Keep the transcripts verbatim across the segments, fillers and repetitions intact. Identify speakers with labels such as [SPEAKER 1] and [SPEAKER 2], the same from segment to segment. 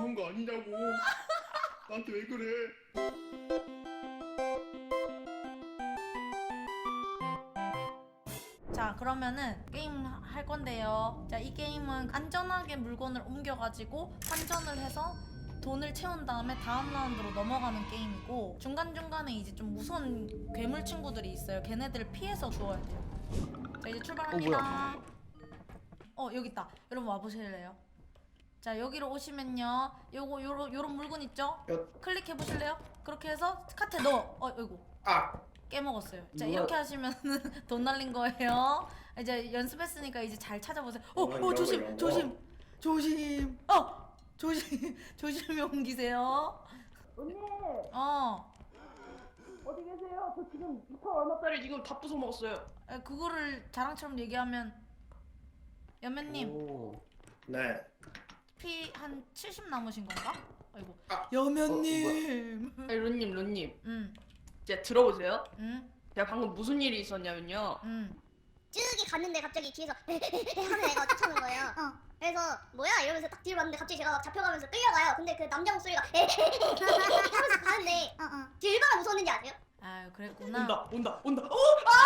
[SPEAKER 1] 잡은 거 아니냐고. 나한테 왜 그래?
[SPEAKER 2] 자, 그러면은 게임 할 건데요. 자, 이 게임은 안전하게 물건을 옮겨가지고 환전을 해서 돈을 채운 다음에 다음 라운드로 넘어가는 게임이고, 중간중간에 이제 좀 무서운 괴물 친구들이 있어요. 걔네들을 피해서 주워야 돼요. 자, 이제 출발합니다. 어, 여기 있다. 여러분 와보실래요? 자, 여기로 오시면요, 요거 요런 요런 물건 있죠?
[SPEAKER 1] 야.
[SPEAKER 2] 클릭해 보실래요? 그렇게 해서 카트에 넣어. 어, 이거
[SPEAKER 1] 아.
[SPEAKER 2] 깨먹었어요. 자,
[SPEAKER 3] 누가-
[SPEAKER 2] 이렇게 하시면은 돈 날린 거예요. 이제 연습했으니까 이제 잘 찾아보세요. 어,
[SPEAKER 1] 어,
[SPEAKER 2] 어, 조심,
[SPEAKER 1] 이거.
[SPEAKER 2] 조심, 조심. 어, 조심, 조심히 옮기세요.
[SPEAKER 3] 언니
[SPEAKER 2] 어,
[SPEAKER 3] 어디 계세요? 저 지금 이천 얼마짜리 지금 다 부숴 먹었어요.
[SPEAKER 2] 에, 그거를 자랑처럼 얘기하면 연매님
[SPEAKER 3] 오.
[SPEAKER 1] 네.
[SPEAKER 2] 피 한 칠십 남으신 건가? 아이고.
[SPEAKER 1] 아.
[SPEAKER 2] 연매님.
[SPEAKER 3] 아니 론님 론님
[SPEAKER 2] 응,
[SPEAKER 3] 이제 들어보세요.
[SPEAKER 2] 응,
[SPEAKER 3] 제가 방금 무슨 일이 있었냐면요.
[SPEAKER 2] 응.
[SPEAKER 4] 쭈기 갔는데 갑자기 뒤에서 하는 애가 쫓아오는 거예요. 어. 그래서 뭐야 이러면서 딱 뒤로 봤는데 갑자기 제가 막 잡혀가면서 끌려가요. 근데 그 남자 목소리가 하면서 가는데 어, 어. 제일 얼마나 무서웠는지 아세요?
[SPEAKER 2] 아유, 그랬구나.
[SPEAKER 3] 온다 온다 온다. 어?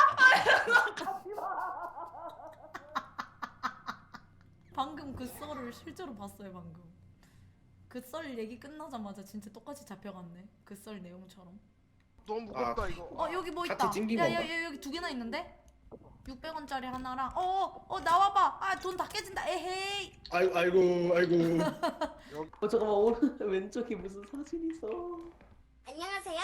[SPEAKER 2] 방금 그 썰을 실제로 봤어요. 방금 그 썰 얘기 끝나자마자 진짜 똑같이 잡혀갔네. 그 썰 내용처럼.
[SPEAKER 5] 너무 무겁다
[SPEAKER 1] 아.
[SPEAKER 5] 이거.
[SPEAKER 2] 어, 여기 뭐
[SPEAKER 1] 카트
[SPEAKER 2] 있다.
[SPEAKER 1] 찡긴
[SPEAKER 2] 야, 야,
[SPEAKER 1] 건가?
[SPEAKER 2] 야, 여기 두 개나 있는데? 육백 원짜리 하나랑 어, 어, 어, 나와봐. 아, 돈 다 깨진다. 에헤이.
[SPEAKER 1] 아이고 아이고 아이고.
[SPEAKER 3] 어 잠깐만 오른 왼쪽에 무슨 사진 있어.
[SPEAKER 4] 안녕하세요.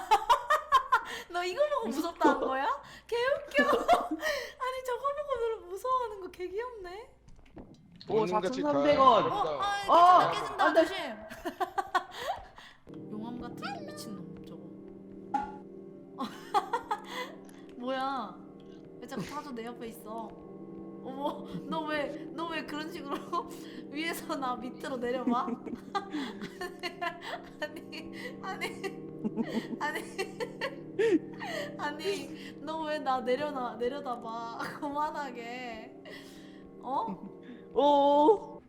[SPEAKER 2] 너 이거 보고 무섭다 한 거야? 개웃겨. 아니, 저거 보고 너를 무서워하는 거 개 귀엽네.
[SPEAKER 3] 오
[SPEAKER 5] 돈같이
[SPEAKER 3] 사천삼백
[SPEAKER 5] 다-
[SPEAKER 3] 원.
[SPEAKER 2] 어, 아,
[SPEAKER 3] 어,
[SPEAKER 2] 깨진다, 깨진다.
[SPEAKER 3] 안 돼.
[SPEAKER 2] 조심. 용암 같은 미친놈 저거. 뭐야? 왜 자꾸 타조 내 옆에 있어? 어머, 너 왜, 너 왜 그런 식으로 위에서 나 밑으로 내려봐? 아니, 아니, 아니, 아니, 너 왜 나 내려놔, 내려다봐. 그만하게. 어?
[SPEAKER 3] 오.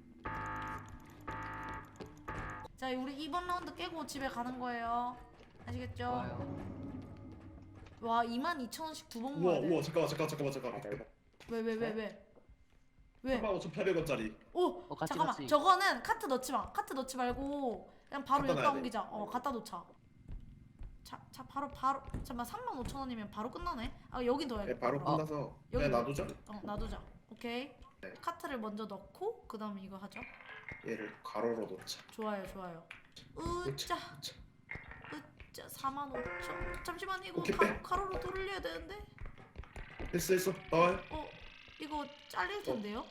[SPEAKER 2] 자, 우리 이번 라운드 깨고 집에 가는 거예요. 아시겠죠?
[SPEAKER 3] 좋아요.
[SPEAKER 2] 와, 이만 이천 원씩 두 번
[SPEAKER 1] 우와
[SPEAKER 2] 모아야 돼.
[SPEAKER 1] 우와 잠깐만 잠깐만 잠깐만 잠깐만.
[SPEAKER 2] 왜, 왜, 왜, 왜? 왜?
[SPEAKER 1] 삼만 오천팔백 원짜리.
[SPEAKER 2] 오!
[SPEAKER 3] 어, 같이,
[SPEAKER 2] 잠깐만.
[SPEAKER 3] 같이.
[SPEAKER 2] 저거는 카트 넣지 마. 카트 넣지 말고 그냥 바로
[SPEAKER 1] 갖다
[SPEAKER 2] 여기다
[SPEAKER 1] 놔야 돼.
[SPEAKER 2] 옮기자. 어, 갖다 놓자. 자, 자, 바로 바로. 잠깐만, 삼만 오천 원이면 바로 끝나네. 아, 여기 넣어야겠다.
[SPEAKER 1] 네, 바로
[SPEAKER 2] 그럼.
[SPEAKER 1] 끝나서
[SPEAKER 2] 여기
[SPEAKER 1] 그냥 놔두자.
[SPEAKER 2] 어, 놔두자. 오케이.
[SPEAKER 1] 네.
[SPEAKER 2] 카트를 먼저 넣고 그다음에 이거 하죠.
[SPEAKER 1] 얘를 가로로 놓자.
[SPEAKER 2] 좋아요, 좋아요. 으짜. 으짜 사만 오천. 잠시만, 이거
[SPEAKER 1] 오케이,
[SPEAKER 2] 가,
[SPEAKER 1] 빼.
[SPEAKER 2] 가로로 돌려야 되는데.
[SPEAKER 1] 됐어 됐어 나와요.
[SPEAKER 2] 어, 이거 잘릴 텐데요?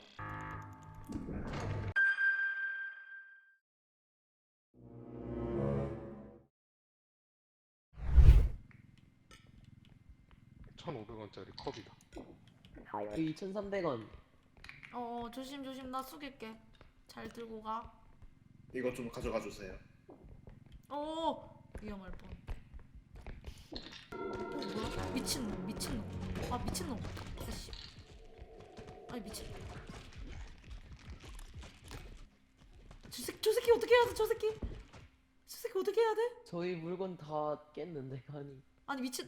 [SPEAKER 5] 천오백 원짜리 컵이다.
[SPEAKER 3] 여기 이천삼백 원.
[SPEAKER 2] 어, 어, 조심 조심. 나 숙일게. 잘 들고 가.
[SPEAKER 1] 이거 좀 가져가 주세요.
[SPEAKER 2] 오, 위험할 뻔. 어, 뭐야? 미친놈, 미친놈. 아, 미친놈. 아씨. 아니, 미친. 저 새끼, 저 새끼 어떻게 해야 돼? 저 새끼. 저 새끼 어떻게 해야 돼?
[SPEAKER 3] 저희 물건 다 깼는데 아니.
[SPEAKER 2] 아니, 미친.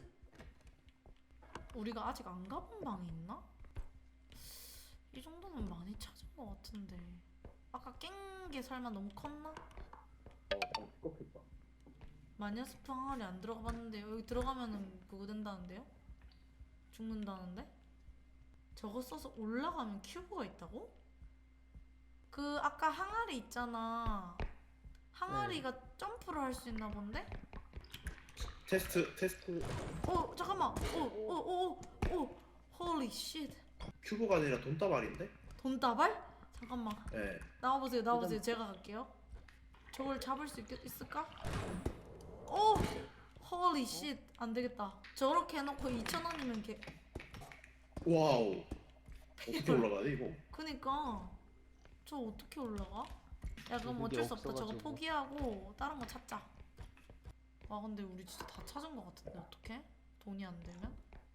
[SPEAKER 2] 우리가 아직 안 가본 방이 있나? 이 정도면 많이 찾은 것 같은데. 아까 깬 게 설마 너무 컸나?
[SPEAKER 1] 꺾였다.
[SPEAKER 2] 마녀스프 항아리 안 들어가 봤는데요. 여기 들어가면은 그거 된다는데요? 죽는다는데? 저거 써서 올라가면 큐브가 있다고? 그 아까 항아리 있잖아. 항아리가 점프를 할 수 있나 본데?
[SPEAKER 1] 테스트 테스트.
[SPEAKER 2] 어, 잠깐만. 오오오오 홀리 쉣.
[SPEAKER 1] 큐브가 아니라 돈다발인데?
[SPEAKER 2] 돈다발? 잠깐만.
[SPEAKER 1] 네.
[SPEAKER 2] 나와보세요, 나와보세요. 제가 갈게요. 저걸 잡을 수 있, 있을까? 오! 홀리 쉣. 안 되겠다. 저렇게 해놓고 이천 원이면 개.
[SPEAKER 1] 와우. 어떻게 올라가야 돼 이거?
[SPEAKER 2] 그니까. 저 어떻게 올라가? 야, 그럼
[SPEAKER 3] 그게
[SPEAKER 2] 어쩔 수 없다. 저거
[SPEAKER 3] 없어가지고.
[SPEAKER 2] 포기하고 다른 거 찾자. 와, 근데 우리 진짜 다 찾은 거 같은데, 어떡해? 돈이 안 되면?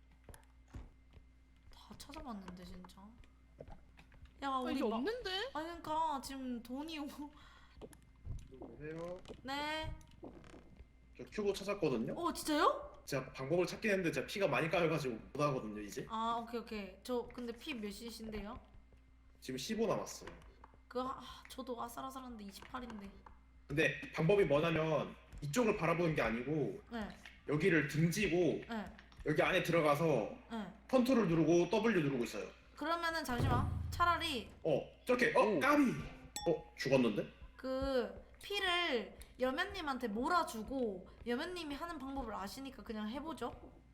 [SPEAKER 2] 다 찾아봤는데, 진짜. 야,
[SPEAKER 5] 아,
[SPEAKER 2] 우리
[SPEAKER 5] 이게
[SPEAKER 2] 막.
[SPEAKER 5] 없는데?
[SPEAKER 2] 아니, 그니까, 지금 돈이 오.
[SPEAKER 1] 여보세요?
[SPEAKER 2] 네.
[SPEAKER 1] 저 큐브 찾았거든요?
[SPEAKER 2] 어 진짜요?
[SPEAKER 1] 제가 방법을 찾긴 했는데 제가 피가 많이 까여가지고 못 하거든요 이제.
[SPEAKER 2] 아 오케이 오케이. 저 근데 피 몇이신데요?
[SPEAKER 1] 지금 십오 남았어요.
[SPEAKER 2] 그 아, 저도 아슬아슬한데 이십팔인데.
[SPEAKER 1] 근데 방법이 뭐냐면 이쪽을 바라보는 게 아니고
[SPEAKER 2] 네.
[SPEAKER 1] 여기를 등지고
[SPEAKER 2] 네.
[SPEAKER 1] 여기 안에 들어가서
[SPEAKER 2] 네.
[SPEAKER 1] 컨트롤 누르고 더블유 누르고 있어요.
[SPEAKER 2] 그러면은 잠시만. 차라리
[SPEAKER 1] 어 저렇게 어
[SPEAKER 5] 오.
[SPEAKER 1] 까비. 어 죽었는데?
[SPEAKER 2] 그 피를 여면님한테 몰아주고 여면님이 하는 방법을 아시니까 그냥 해보죠.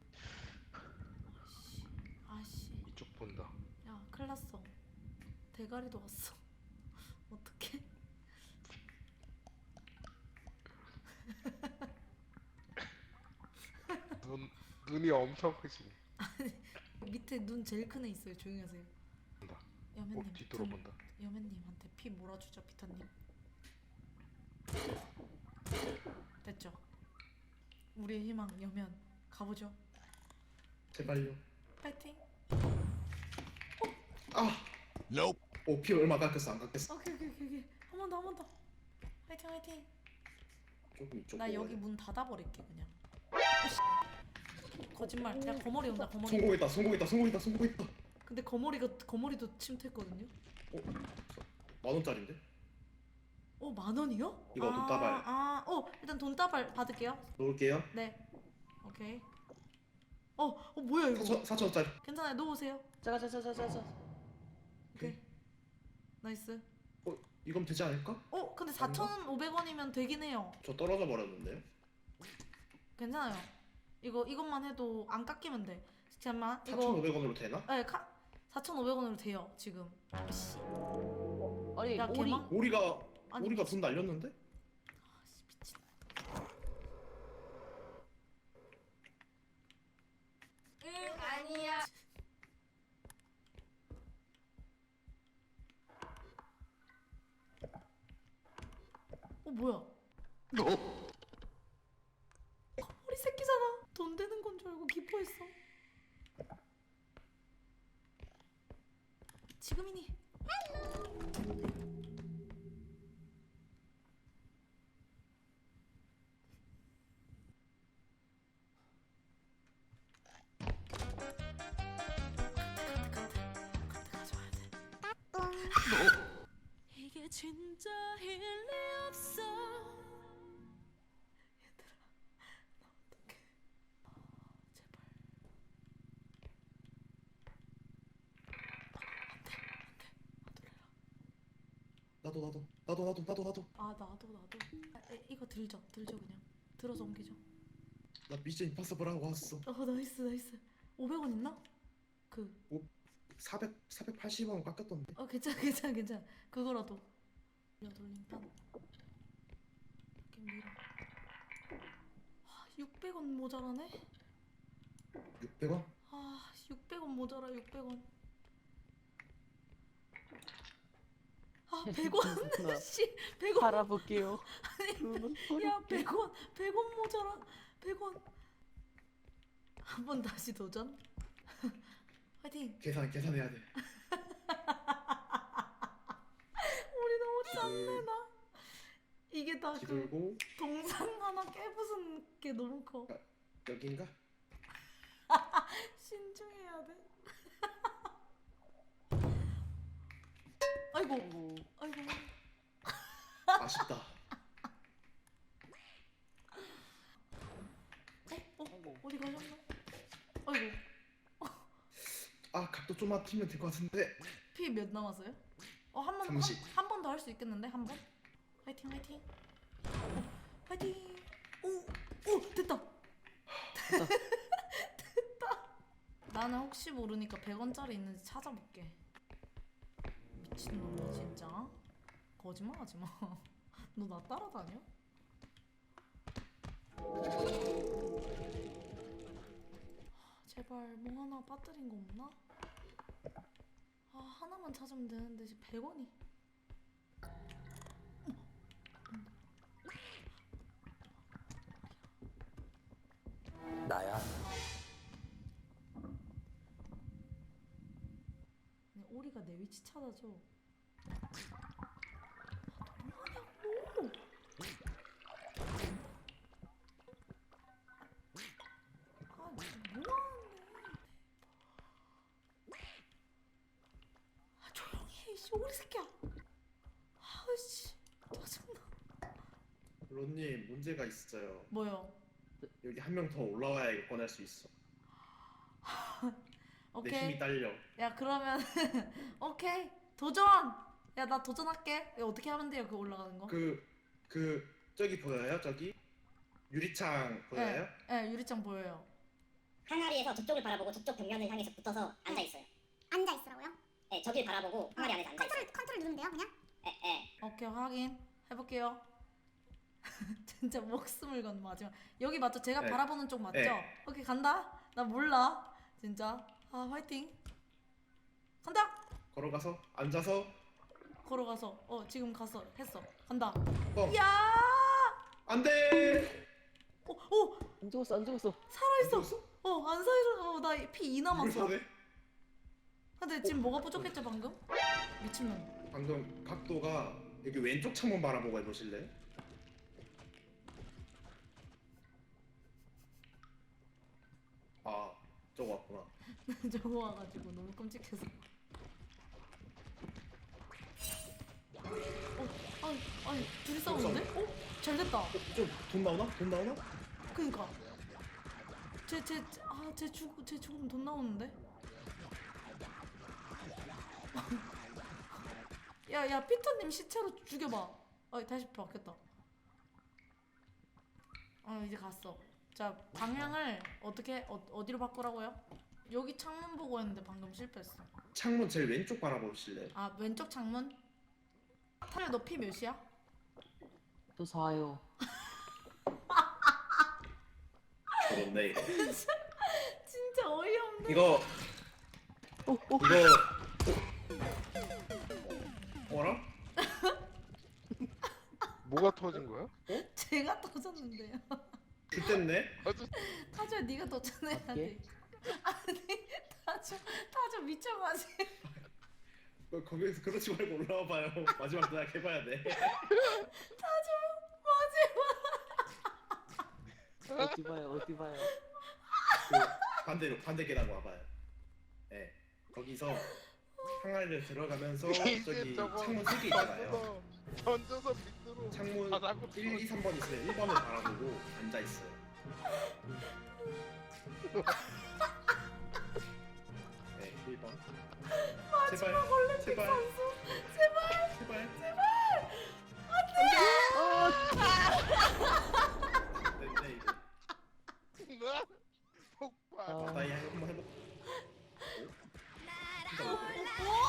[SPEAKER 2] 아씨, 아씨,
[SPEAKER 5] 이쪽 본다.
[SPEAKER 2] 야 큰일났어. 대가리도 왔어. 어떡해?
[SPEAKER 5] 눈 눈이 엄청 크시네.
[SPEAKER 2] 밑에 눈 제일 큰 애 있어요. 조용히 하세요.
[SPEAKER 5] 본다.
[SPEAKER 2] 여면님,
[SPEAKER 5] 어, 뒤돌아본다.
[SPEAKER 2] 여면님한테 피 몰아주죠, 피터님. 됐죠? 우리의 희망 여면 가보죠.
[SPEAKER 1] 제발요.
[SPEAKER 2] 파이팅.
[SPEAKER 1] 아.
[SPEAKER 6] Nope.
[SPEAKER 1] 오피 얼마 깎였어 안 깎였어?
[SPEAKER 2] 오케이 오케이 오케이 오케이. 한 번 더 한 번 더. 파이팅 파이팅.
[SPEAKER 1] 조금 이쪽.
[SPEAKER 2] 나
[SPEAKER 1] 보고
[SPEAKER 2] 여기
[SPEAKER 1] 가야 돼.
[SPEAKER 2] 문 닫아버릴게 그냥. 거짓말. 야 거머리 온다 거머리.
[SPEAKER 1] 성공했다 성공했다 성공했다 성공했다.
[SPEAKER 2] 근데 거머리가 거머리도 침투했거든요.
[SPEAKER 1] 만 원짜리인데?
[SPEAKER 2] 어 만 원이요?
[SPEAKER 1] 이거 돈다발.
[SPEAKER 2] 아, 어 일단 돈다발 받을게요.
[SPEAKER 1] 놓을게요.
[SPEAKER 2] 네. 오케이. 어, 어 뭐야 이거?
[SPEAKER 1] 사천 사천 원짜리.
[SPEAKER 2] 괜찮아요. 놓으세요.
[SPEAKER 3] 자가 자자자자자.
[SPEAKER 2] 오케이. 나이스.
[SPEAKER 1] 어 이건 되지 않을까?
[SPEAKER 2] 어 근데 사천오백 원이면 되긴 해요.
[SPEAKER 1] 저 떨어져 버렸는데요.
[SPEAKER 2] 괜찮아요. 이거 이것만 해도 안 깎이면 돼. 잠깐만. 이거
[SPEAKER 1] 사천오백 원으로 되나?
[SPEAKER 2] 네, 카 사천오백 원으로 돼요, 지금. 씨.
[SPEAKER 3] 아니
[SPEAKER 2] 야,
[SPEAKER 3] 오리.
[SPEAKER 2] 개망?
[SPEAKER 1] 우리가
[SPEAKER 2] 아니,
[SPEAKER 1] 우리가 돈 날렸는데?
[SPEAKER 2] 아, 씨, 미친.
[SPEAKER 3] 응 아니야.
[SPEAKER 2] 어, 뭐야? 거머리 새끼잖아. 돈 되는 건 줄 알고 기뻐했어. 지금이니. 이게 진짜 일리 없어. 얘들아, 나 어떡해. 제발.
[SPEAKER 1] 나도 나도 나도 나도 나도 나도.
[SPEAKER 2] 아 나도 나도. 아, 에, 이거 들죠, 들죠 그냥. 들어서 옮기죠.
[SPEAKER 1] 나 미션 임파서블 하고 왔어.
[SPEAKER 2] 어 나이스 나이스. 오백 원 있나? 그.
[SPEAKER 1] 사백 사백팔십 원 깎였던데.
[SPEAKER 2] 어 괜찮아 괜찮아 괜찮아. 그거라도. 돌림판. 이렇게 밀어. 아, 육백 원 모자라네.
[SPEAKER 1] 육백 원?
[SPEAKER 2] 아 육백 원 모자라 육백 원. 아 백 원. 씨 백 원.
[SPEAKER 3] 바라볼게요.
[SPEAKER 2] 야 백 원 백 원 모자라. 백 원. 한 번 다시 도전. 화이팅.
[SPEAKER 1] 계산 계산해야 돼.
[SPEAKER 2] 우리 너무 짠네 나. 이게 다 그
[SPEAKER 1] 뒤돌고
[SPEAKER 2] 동상 하나 깨부순 게 너무 커.
[SPEAKER 1] 여긴가?
[SPEAKER 2] 신중해야 돼. 아이고 아이고.
[SPEAKER 1] 아쉽다.
[SPEAKER 2] 어? 어? 어디 가셨나? 아이고.
[SPEAKER 1] 아 각도 좀만 틀면 될 것 같은데.
[SPEAKER 2] 피 몇 남았어요? 어, 한 번,
[SPEAKER 1] 삼십.
[SPEAKER 2] 한 번 더 할 수 있겠는데? 한 번? 화이팅, 화이팅. 어, 화이팅. 오, 오, 됐다. 됐다. 나는 혹시 모르니까 백 원짜리 있는지 찾아볼게. 미친놈이야, 진짜. 거짓말 하지 마. 너 나 따라다녀? 제발 뭐 하나 빠뜨린 거 없나? 아 하나만 찾으면 되는데 지금 백 원이.
[SPEAKER 6] 나야.
[SPEAKER 2] 아니, 오리가 내 위치 찾아줘. 아, 너무하냐고. 아이씨 오리 새끼야. 아이씨 짜증나.
[SPEAKER 1] 론님 문제가 있어요.
[SPEAKER 2] 뭐요?
[SPEAKER 1] 여기 한 명 더 올라와야 이거 꺼낼 수 있어. 내
[SPEAKER 2] 오케이.
[SPEAKER 1] 힘이 딸려.
[SPEAKER 2] 야 그러면 오케이 도전. 야 나 도전할게. 이거 어떻게 하면 돼요? 그 올라가는 거?
[SPEAKER 1] 그 그 저기 보여요? 저기 유리창 보여요?
[SPEAKER 2] 네 유리창 보여요.
[SPEAKER 6] 항아리에서 저쪽을 바라보고 저쪽 벽면을 향해서 붙어서 앉아 있어요.
[SPEAKER 4] 앉아 있으라고요?
[SPEAKER 6] 네, 저길 바라보고 항아리 안에서 앉아 있어요.
[SPEAKER 4] 컨트롤 컨트롤 누르면 돼요, 그냥?
[SPEAKER 6] 예, 예.
[SPEAKER 2] 오케이 확인 해볼게요. 진짜 목숨을 건 마지막. 여기 맞죠? 제가
[SPEAKER 1] 네.
[SPEAKER 2] 바라보는 쪽 맞죠?
[SPEAKER 1] 네.
[SPEAKER 2] 오케이 간다. 나 몰라 진짜. 아 화이팅. 간다.
[SPEAKER 1] 걸어가서 앉아서
[SPEAKER 2] 걸어가서 어 지금 갔어 했어 간다.
[SPEAKER 1] 뻥.
[SPEAKER 2] 야.
[SPEAKER 1] 안돼.
[SPEAKER 2] 오오
[SPEAKER 3] 안 죽었어 안 죽었어.
[SPEAKER 2] 살아있어. 어안 살아. 어나 피 이 남았어.
[SPEAKER 1] 이걸 사네?
[SPEAKER 2] 근데 지금 뭐가 부족했죠 방금? 미친놈.
[SPEAKER 1] 방금 각도가 여기 왼쪽 창문 바라보고 해보실래요? 아 저거 왔구나.
[SPEAKER 2] 저거 와가지고 너무 끔찍해서. 어, 아니, 아니, 둘이 싸우는데? 어? 잘 됐다.
[SPEAKER 1] 어, 좀 돈 나오나? 돈 나오나?
[SPEAKER 2] 그니까. 쟤, 쟤, 아, 쟤 죽, 쟤 죽으면 돈 나오는데? 야, 야, 피터님 시체로 죽여봐. 아, 다시 바뀌었다. 아, 이제 갔어. 자, 방향을 어떻게, 어, 어디로 바꾸라고요? 여기 창문 보고 했는데 방금 실패했어.
[SPEAKER 1] 창문 제일 왼쪽 바라보실래요?
[SPEAKER 2] 아, 왼쪽 창문? 타려 너 피 몇이야?
[SPEAKER 3] 저 사요.
[SPEAKER 1] 저렇네 이거.
[SPEAKER 2] 진짜 어이없네.
[SPEAKER 1] 이거
[SPEAKER 3] 오, 오.
[SPEAKER 1] 이거 어? 어라?
[SPEAKER 5] 뭐가 터진 거야?
[SPEAKER 2] 제가 터졌는데요.
[SPEAKER 1] 그때네?
[SPEAKER 5] 터졌.
[SPEAKER 2] 타조야 네가 도전해야 돼. 아니 타조 타조 미쳐가지고.
[SPEAKER 1] 거- 거기에서 그러지 말고 올라와봐요. 마지막 대학 해봐야 돼.
[SPEAKER 2] 타조 마지막.
[SPEAKER 3] 어디 봐요 어디 봐요.
[SPEAKER 1] 그 반대로 반대 계단 와봐요. 예. 네. 거기서 항아리를 들어가면서
[SPEAKER 5] 이제
[SPEAKER 1] 저기
[SPEAKER 5] 저거
[SPEAKER 1] 창문 세 개 있잖아요.
[SPEAKER 5] 던져서 던져서 밑으로
[SPEAKER 1] 창문
[SPEAKER 5] 바닥으로
[SPEAKER 1] 일, 이, 삼 번 있어요. 일 번을 바라보고 앉아 있어요. 네, 일 번. 제발,
[SPEAKER 2] 올림픽
[SPEAKER 1] 제발,
[SPEAKER 2] 선수 제발
[SPEAKER 1] 제발. 됐네 이거.
[SPEAKER 5] 폭발.
[SPEAKER 3] 아.
[SPEAKER 1] 나이 한번 해볼까? 진짜 못 해.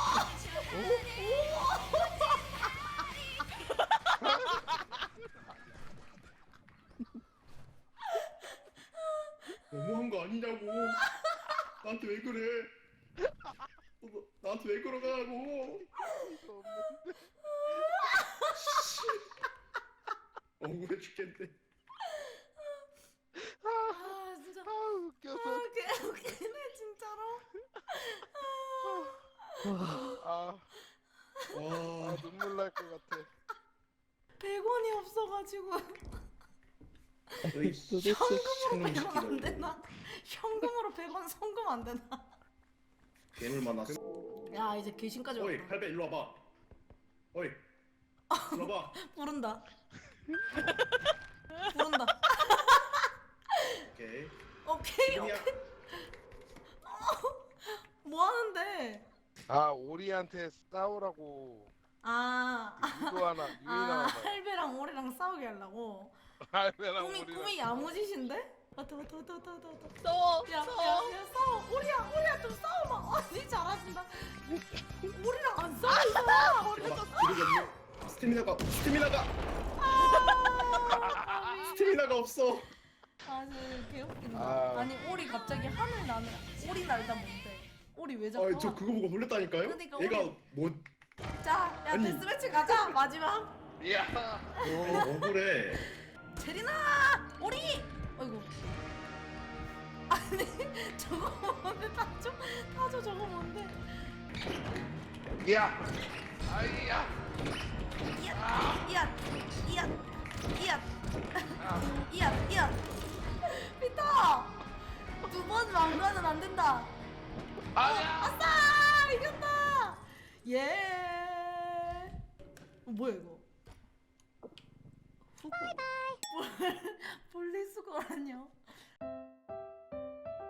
[SPEAKER 1] 너무한 거 아니냐고. 나한테 왜 그래? 너, 너, 나한테 왜 그러가라고?
[SPEAKER 5] 이거 없는데.
[SPEAKER 1] 억울해 죽겠네.
[SPEAKER 2] 아 진짜
[SPEAKER 5] 아 웃겨서.
[SPEAKER 2] 아 개 웃기네 진짜로.
[SPEAKER 5] 아, 아
[SPEAKER 1] 와,
[SPEAKER 5] 눈물 날 것 같아.
[SPEAKER 2] 백 원이 없어가지고
[SPEAKER 1] 너희
[SPEAKER 3] 도대체
[SPEAKER 1] 현금으로
[SPEAKER 2] 백 원 안 되나? 현금으로 백 원 송금 안 되나?
[SPEAKER 1] 괴물 많았어.
[SPEAKER 2] 야 이제 귀신까지
[SPEAKER 1] 어이,
[SPEAKER 2] 왔다.
[SPEAKER 1] 팔배 일로 와봐. 어이, 일로 와봐.
[SPEAKER 2] 부른다. 부른다.
[SPEAKER 1] 오케이.
[SPEAKER 2] 오케이
[SPEAKER 1] 문이야.
[SPEAKER 2] 오케이. 뭐 하는데?
[SPEAKER 5] 아 오리한테 싸우라고
[SPEAKER 2] 아,
[SPEAKER 5] 유도 하나 유인
[SPEAKER 2] 아
[SPEAKER 5] 하나 봐요.
[SPEAKER 2] 할배랑 오리랑 싸우게 하려고.
[SPEAKER 5] 할배랑
[SPEAKER 2] 꿈이
[SPEAKER 5] 오리랑.
[SPEAKER 2] 꿈이 야무지신데? 왔다 왔다 왔다 왔다 왔다 왔다.
[SPEAKER 3] 싸워
[SPEAKER 2] 야, 야, 야, 싸워. 오리야, 오리야, 좀 싸워봐. 언니 잘하신다. 오리랑 안 싸우잖아. 오리가 좀
[SPEAKER 1] 기력이 없네. 스태미나가, 스태미나가,
[SPEAKER 2] 싸워.
[SPEAKER 1] 스태미나가 없어.
[SPEAKER 2] 아, 진짜 개웃긴다.
[SPEAKER 5] 아.
[SPEAKER 2] 아니, 오리 갑자기 하늘 나는. 오리 날다 뭔데? 오리 왜 자꾸?
[SPEAKER 1] 아, 저 그거 보고 놀랬다니까요?
[SPEAKER 2] 그러니까
[SPEAKER 1] 얘가
[SPEAKER 2] 우리-
[SPEAKER 1] 뭐
[SPEAKER 2] 자, 야,
[SPEAKER 1] 아니.
[SPEAKER 2] 데스매치 가자. 마지막.
[SPEAKER 5] 야.
[SPEAKER 1] 아니, 억울해.
[SPEAKER 2] 제리나, 오리. 아이고. 아니, 저거 뭔데? 타조, 타조 저거 뭔데?
[SPEAKER 5] 야. 아이야.
[SPEAKER 2] 이앗, 이앗, 이앗, 이앗. 이앗, 이앗. 피터! 두 번 왕관은 안 된다.
[SPEAKER 5] 아야.
[SPEAKER 2] 아싸! 이겼다! 예! 뭐야 이거? 바이바이. 분리수거라뇨?